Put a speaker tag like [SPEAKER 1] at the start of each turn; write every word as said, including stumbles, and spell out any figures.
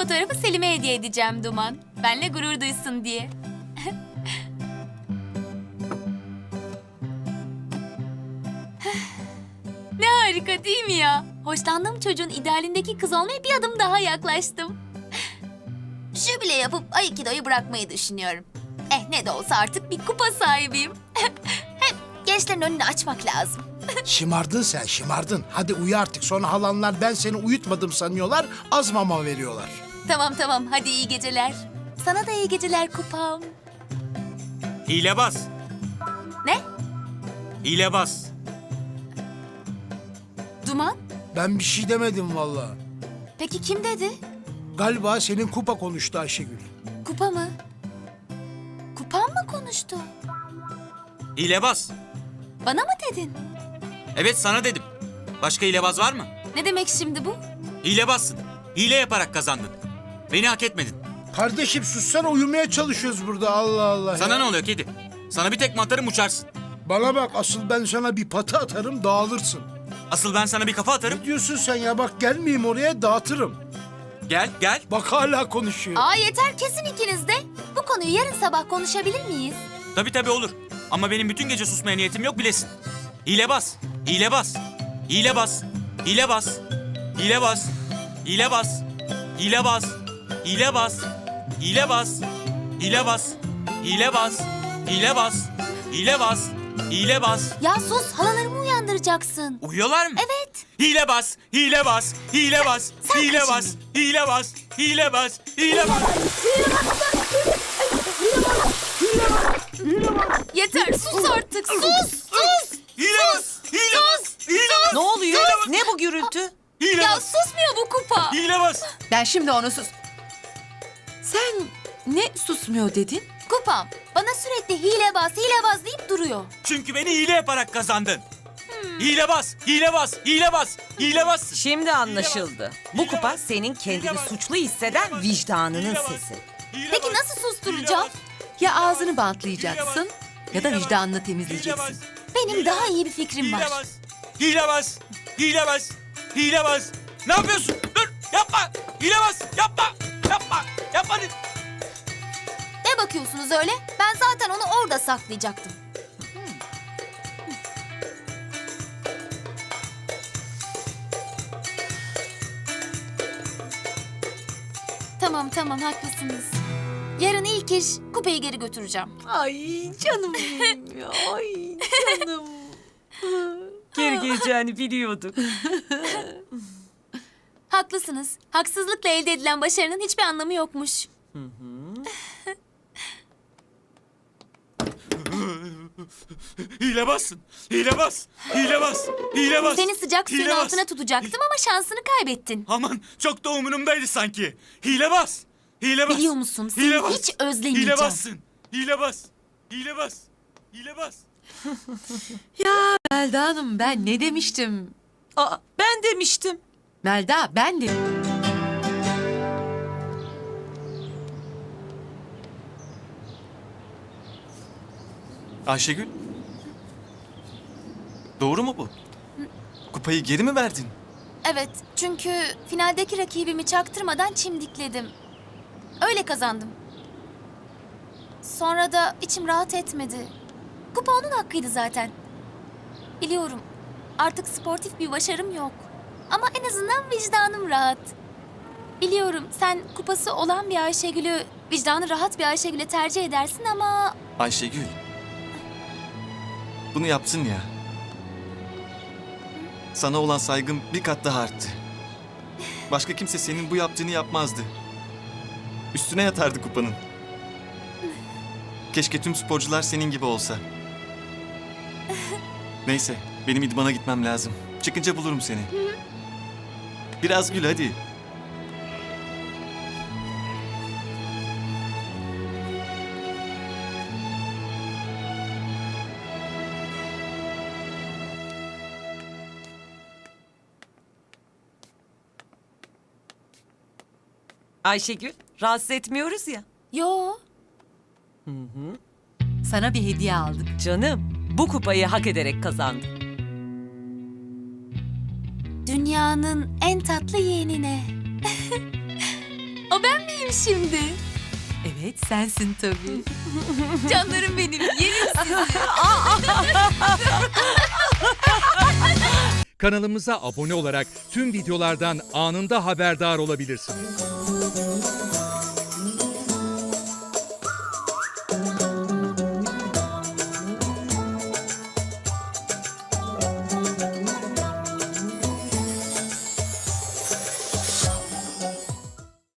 [SPEAKER 1] fotoğrafı Selim'e hediye edeceğim Duman. Benle gurur duysun diye. Ne harika değil mi ya? Hoşlandığım çocuğun idealindeki kız olmaya bir adım daha yaklaştım. Jübile yapıp Aikido'yu bırakmayı düşünüyorum. Eh ne de olsa artık bir kupa sahibiyim. Hem gençlerin önünü açmak lazım.
[SPEAKER 2] Şımardın sen, şımardın. Hadi uyu artık. Sonra halanlar ben seni uyutmadım sanıyorlar, az mama veriyorlar.
[SPEAKER 1] Tamam tamam hadi iyi geceler. Sana da iyi geceler kupam.
[SPEAKER 3] Hilebaz.
[SPEAKER 1] Ne?
[SPEAKER 3] Hilebaz.
[SPEAKER 1] Duman?
[SPEAKER 2] Ben bir şey demedim vallahi.
[SPEAKER 1] Peki kim dedi?
[SPEAKER 2] Galiba senin kupa konuştu Ayşegül.
[SPEAKER 1] Kupa mı? Kupam mı konuştu?
[SPEAKER 3] Hilebaz.
[SPEAKER 1] Bana mı dedin?
[SPEAKER 3] Evet sana dedim. Başka hilebaz var mı?
[SPEAKER 1] Ne demek şimdi bu?
[SPEAKER 3] Hilebazsın. Hile yaparak kazandın. Beni hak etmedin.
[SPEAKER 2] Kardeşim sussana, uyumaya çalışıyoruz burada, Allah Allah.
[SPEAKER 3] Sana
[SPEAKER 2] ya.
[SPEAKER 3] ne oluyor kedi? Sana bir tekme atarım uçarsın.
[SPEAKER 2] Bana bak, asıl ben sana bir patı atarım, dağılırsın.
[SPEAKER 3] Asıl ben sana bir kafa atarım.
[SPEAKER 2] Ne diyorsun sen ya? Bak gelmeyeyim oraya, dağıtırım.
[SPEAKER 3] Gel gel.
[SPEAKER 2] Bak hala konuşuyor.
[SPEAKER 1] Aa yeter kesin ikiniz de. Bu konuyu yarın sabah konuşabilir miyiz?
[SPEAKER 3] Tabii tabii olur. Ama benim bütün gece susmaya niyetim yok bilesin. Hilebaz. Hilebaz. Hilebaz. Hilebaz. Hilebaz. Hilebaz. Hilebaz. Hilebaz. Hilebaz. Hilebaz. Hilebaz. Hilebaz. Hilebaz. Hilebaz.
[SPEAKER 1] Ya sus halalarımı uyandıracaksın.
[SPEAKER 3] Uyuyorlar mı?
[SPEAKER 1] Evet.
[SPEAKER 3] Hilebaz. Hilebaz. Hilebaz.
[SPEAKER 1] sen
[SPEAKER 3] Hilebaz. Hilebaz. Hilebaz. Hilebaz.
[SPEAKER 1] Yeter sus artık sus sus.
[SPEAKER 3] Hilebaz. Hilebaz. Hilebaz.
[SPEAKER 4] Ne oluyor? Ne bu gürültü?
[SPEAKER 1] Ya
[SPEAKER 3] Hilebaz.
[SPEAKER 1] susmuyor bu kupa.
[SPEAKER 3] Hilebaz.
[SPEAKER 4] Ben şimdi onu sus... Sen ne susmuyor dedin?
[SPEAKER 1] Kupam bana sürekli hilebaz hilebaz deyip duruyor.
[SPEAKER 3] Çünkü beni hile yaparak kazandın. Hilebaz, hilebaz, hilebaz, hilebaz.
[SPEAKER 4] Şimdi anlaşıldı. Bu kupa senin kendini suçlu hisseden vicdanının sesi.
[SPEAKER 1] Peki nasıl susturacağım?
[SPEAKER 4] Ya ağzını bantlayacaksın ya da vicdanını temizleyeceksin.
[SPEAKER 1] Benim daha iyi bir fikrim var.
[SPEAKER 3] Hilebaz, hilebaz, hilebaz, hilebaz. Ne yapıyorsun? Dur, yapma. Hilebaz, yapma, yapma, yapma.
[SPEAKER 1] Ne bakıyorsunuz öyle? Ben zaten onu orada saklayacaktım. Tamam tamam haklısınız. Yarın ilk iş kupayı geri götüreceğim.
[SPEAKER 4] Ay canım benim ya. Ay canım. Geri geleceğini biliyorduk.
[SPEAKER 1] Haklısınız. Haksızlıkla elde edilen başarının hiçbir anlamı yokmuş.
[SPEAKER 3] Hilebazsın, hilebaz, hilebaz, hilebaz.
[SPEAKER 1] Seni sıcak suyun
[SPEAKER 3] hilebaz.
[SPEAKER 1] altına tutacaktım ama şansını kaybettin.
[SPEAKER 3] Aman çok da umurumdaydı sanki. Hilebaz, hilebaz.
[SPEAKER 1] Biliyor musun, seni
[SPEAKER 3] Hilebaz,
[SPEAKER 1] hiç özlemeyeceğim.
[SPEAKER 3] Hilebazsın, hilebaz, hilebaz, hilebaz.
[SPEAKER 5] Melda Hanım ben ne demiştim?
[SPEAKER 4] Aa, ben demiştim.
[SPEAKER 5] Melda ben de...
[SPEAKER 6] Ayşegül. Doğru mu bu? Kupayı geri mi verdin?
[SPEAKER 1] Evet, çünkü finaldeki rakibimi çaktırmadan çimdikledim. Öyle kazandım. Sonra da içim rahat etmedi. Kupa onun hakkıydı zaten. Biliyorum, artık sportif bir başarım yok. Ama en azından vicdanım rahat. Biliyorum, sen kupası olan bir Ayşegül'ü, vicdanı rahat bir Ayşegül'e tercih edersin ama...
[SPEAKER 6] Ayşegül. Bunu yaptın ya. Sana olan saygım bir kat daha arttı. Başka kimse senin bu yaptığını yapmazdı. Üstüne yatardı kupanın. Keşke tüm sporcular senin gibi olsa. Neyse, benim idmana gitmem lazım. Çıkınca bulurum seni. Biraz gül hadi.
[SPEAKER 4] Ayşegül, rahatsız etmiyoruz ya.
[SPEAKER 1] Yo,
[SPEAKER 5] Sana bir hediye aldık.
[SPEAKER 4] Canım, bu kupayı hak ederek kazandın.
[SPEAKER 1] dünyanın en tatlı yeğenine. O ben miyim şimdi?
[SPEAKER 5] Evet sensin tabii.
[SPEAKER 1] Canlarım benim, yerim sizi.
[SPEAKER 7] Kanalımıza abone olarak tüm videolardan anında haberdar olabilirsiniz.